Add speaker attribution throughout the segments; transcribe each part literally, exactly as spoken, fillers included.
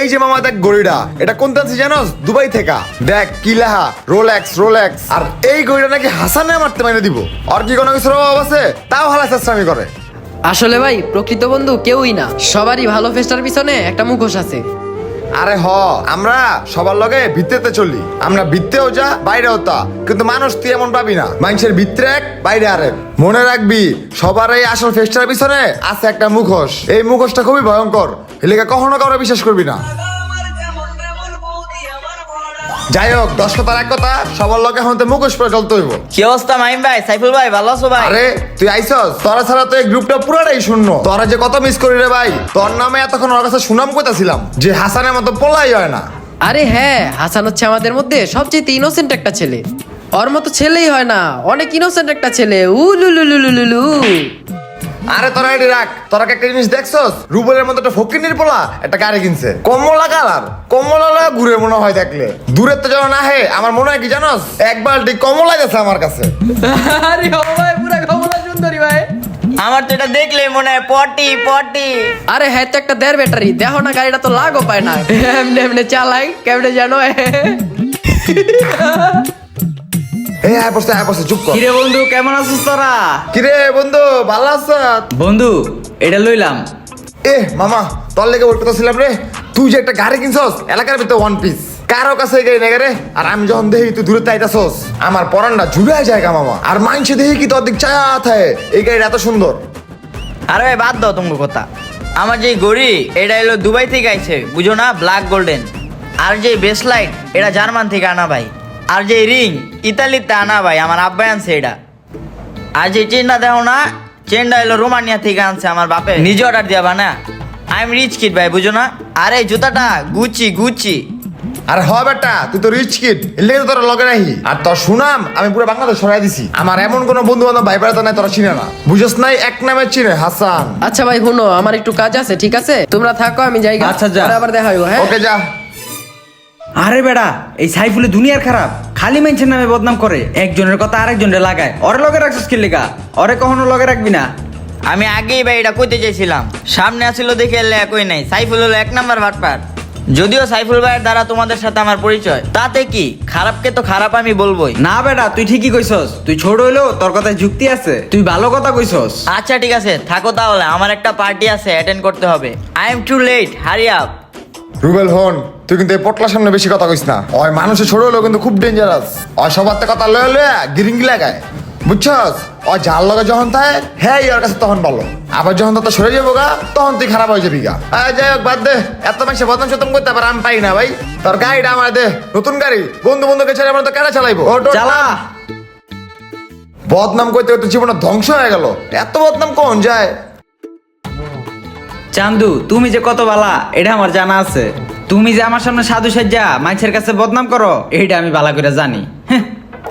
Speaker 1: এই যে মামা দেখ গড়িটা, এটা কোন আছে জানোস? দুবাই থেকে। দেখ কি লেখা, রোলেক্স রোলেক্স। আর এই গড়িটা নাকি হাসানে মারতে মাইনে দিব। আর কি কোনো কিছুর অভাব আছে? তাও হালা চেষ্টামি করে।
Speaker 2: আসলে ভাই প্রকৃত বন্ধু কেউই না, সবারই ভালো ফেস্টার পিছনে একটা মুখোশ আছে।
Speaker 1: আরে হ, আমরা সবার লগে ভিত্তিতে চলি। আমরা ভিত্তেও যা বাইরেও তা, কিন্তু মানুষ তুই এমন পাবি না। মানুষের ভিতরে এক বাইরে আরেক। মনে রাখবি সবার এই আসল ফেস্টার পিছনে আছে একটা মুখোশ। এই মুখোশটা খুবই ভয়ঙ্কর, এলাকা কখনো কারো বিশ্বাস করবি না। যাই হোক, দশ কথার এক কথা, সবার লগে এখন তো মুখোশ পরে চলতে হইব।
Speaker 3: কি অবস্থা মাইম ভাই, সাইফুল ভাই, ভালো আছো ভাই?
Speaker 1: আরে তুই আইসস, তোরা ছাড়া তো এই গ্রুপটা পুরাটাই শূন্য। তোরা যে কত মিস করি রে ভাই। তোর নামে এতক্ষণ ওর কাছে সুনাম কইতাছিলাম যে হাসানের মতো পোলাই হয় না।
Speaker 2: আরে হ্যাঁ, হাসান হচ্ছে আমাদের মধ্যে সবচেয়ে ইনোসেন্ট একটা ছেলে। ওর মতো ছেলেই হয় না, অনেক ইনোসেন্ট একটা ছেলে। উলুলুলুলুলু।
Speaker 1: আরে তোরা এটি রাখ, তোরা একটা জিনিস দেখছস? রুবেলের মতো একটা ফকিনির পোলা একটা গাড়ি কিনছে, কমলা কালার। কমলা লাগা ঘুরে মনে হয় দেখলে। দূরের তো যেন না হে, আমার মনে হয় কি জানোস, এক বালটি কমলা গেছে আমার কাছে।
Speaker 2: আরে ও ভাই, পুরা কমলা সুন্দরী ভাই।
Speaker 3: আমার তো এটা দেখলে মনে হয় পটি পটি।
Speaker 2: আরে হ্যাঁ, তো একটা দেড় ব্যাটারি দেখো না, গাড়িটা তো লাগও পায় না। এমনি এমনি চালাই কেমনে জানো।
Speaker 1: এই আয় বসে আয় বসে, চুপ কর।
Speaker 4: কিরে বন্ধু, কেমন আছিস তোরা?
Speaker 1: কিরে বন্ধু, ভালো আছিস?
Speaker 4: বন্ধু এটা লইলাম।
Speaker 1: এ মামা, তোর লেগে ওই কথা ছিলাম রে। তুই যে একটা গাড়ি কিনছস এলাকার ভিতরে ওয়ান পিস, কারো কাছে গাড়ি নেই রে। আর আমি যখন দেখি তুই দূরে তাইতাছস, আমার পরানটা জুড়ে জায়গা মামা। আর মাইনছে দেখি কি তোর দিক চায়া থাকে, এই গাড়িটা এত সুন্দর।
Speaker 3: আরে ভাই বাদ দাও তোমার কথা। আমার যে ঘড়ি এটা এলো দুবাই থেকে আইছে, বুঝো না, ব্ল্যাক গোল্ডেন। আর যে বেসলাইট এটা জার্মান থেকে আনা ভাই। আর যে রিং ইতালিতে আনা ভাই, আমার আব্বাই আনছে এটা। আর যে চেনটা দেখো না, চেনটা এলো রোমানিয়া থেকে আনছে আমার বাপে, নিজে অর্ডার দিয়া বানা। আই এম রিচ কিড ভাই, বুঝো না। আর এই জুতাটা গুচি গুচি।
Speaker 1: আর হ বেটা, তুই তো রিচ কিড, এর লেগে তো তোর লগে রাহি। আর তোর সুনাম আমি পুরো বাংলাদেশ ছড়াই দিছি। আমার এমন কোনো বন্ধু বান্ধব ভাই বেড়াতে নাই তোরা চিনে না, বুঝস নাই? এক নামে চিনে হাসান।
Speaker 2: আচ্ছা ভাই শুনো, আমার একটু কাজ আছে, ঠিক আছে? তোমরা থাকো, আমি যাই।
Speaker 4: আচ্ছা, যা।
Speaker 2: পরে আবার দেখা হইব। হ্যাঁ
Speaker 1: ওকে যা।
Speaker 4: আরে বেড়া, এই সাইফুলে দুনিয়ার খারাপ, খালি মানুষের নামে বদনাম করে, একজনের কথা আরেকজনের লাগায়। ওরে লগে রাখছিস কি লেগা? ওরে কখনো লগে রাখবি না।
Speaker 3: আমি আগেই ভাই এটা কইতে চাইছিলাম, সামনে আসিল দেখে এলে একই নাই। সাইফুল হলো এক নাম্বার ভাটপার। যদিও সাইফুল ভাইয়ের দ্বারা তোমাদের সাথে আমার পরিচয়, তাতে কি, খারাপকে তো খারাপ আমি বলবোই।
Speaker 4: না বেটা, তুই ঠিকই কইছস। তুই ছোট হইলেও তোর কথায় যুক্তি আছে, তুই ভালো কথা কইছস।
Speaker 3: আচ্ছা ঠিক আছে, থাকো তাহলে, আমার একটা পার্টি আছে, অ্যাটেন্ড করতে হবে। I am too late, hurry up.
Speaker 1: Rubel হন, তুই কিন্তু এই পটলার সামনে বেশি কথা কইস না। ওই মানুষের ছোট হলেও কিন্তু খুব ডেঞ্জারাস। ওই সবার তো কথা লয়ে লয়ে গিরিঙ্গি লাগায়, বুঝছস? ওই জাল লগে যখন থাকে হ্যাঁ ওর কাছে তখন ভালো, আবার যখন তো সরে যাবো গা তখন তুই খারাপ হয়ে যাবি গা। আয় যাই হোক, বাদ দে, এত মানুষের বদনাম সতম করতে পারে আমি পাই না ভাই। তোর গাড়িটা আমার দে, নতুন গাড়ি, বন্ধু বন্ধুকে ছেড়ে আমরা তো কেনা চালাইবো।
Speaker 4: চালা।
Speaker 1: বদনাম করতে করতে জীবনটা ধ্বংস হয়ে গেল। এত বদনাম কোন যায়?
Speaker 4: চান্দু, তুমি যে কত বালা এটা আমার জানা আছে। তুমি যে আমার সামনে সাধু সাজ্জা মাইছের কাছে বদনাম করো, এইটা আমি বালা করে জানি। হ্যাঁ।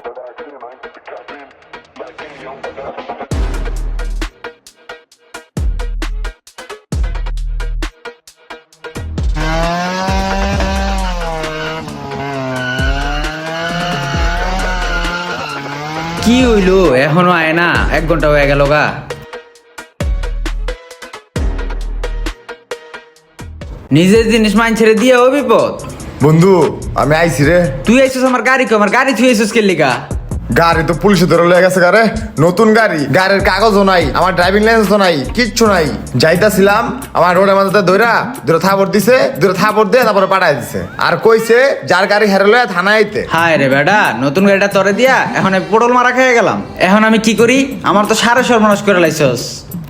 Speaker 4: কি হইলো, এখনো আয় না? এক ঘন্টা হয়ে গেল গা। নিজের জিনিস মাইন ছেড়ে দিয়ে ও বিপদ।
Speaker 1: বন্ধু আমি আইছি রে।
Speaker 4: তুই আইছিস আমার গাড়ি কো, আমার গাড়ি তুই আইছিস কে লিগা?
Speaker 1: গাড়ি তো পুলিশে ধরে লয়ে গেছে গারে, নতুন গাড়ি, গাড়ির কাগজও নাই, আমার ড্রাইভিং লাইসেন্সও নাই, কিচ্ছু নাই। যাইতাছিলাম, আমার রোডের মাঝে দইরা দূরে থাপড় দিছে, দূরে থাপড় দিয়ে তারপরে পাঠাই দিছে। আর কইছে যার গাড়ি হেরে লয়ে থানায় আইতে।
Speaker 4: হায় রে বেটা, নতুন গাড়িটা তরে দিয়া এখন আমি পটল মারা খেয়ে গেলাম। এখন আমি কি করি? আমার তো সারে সর্বনাশ করে লাইছস।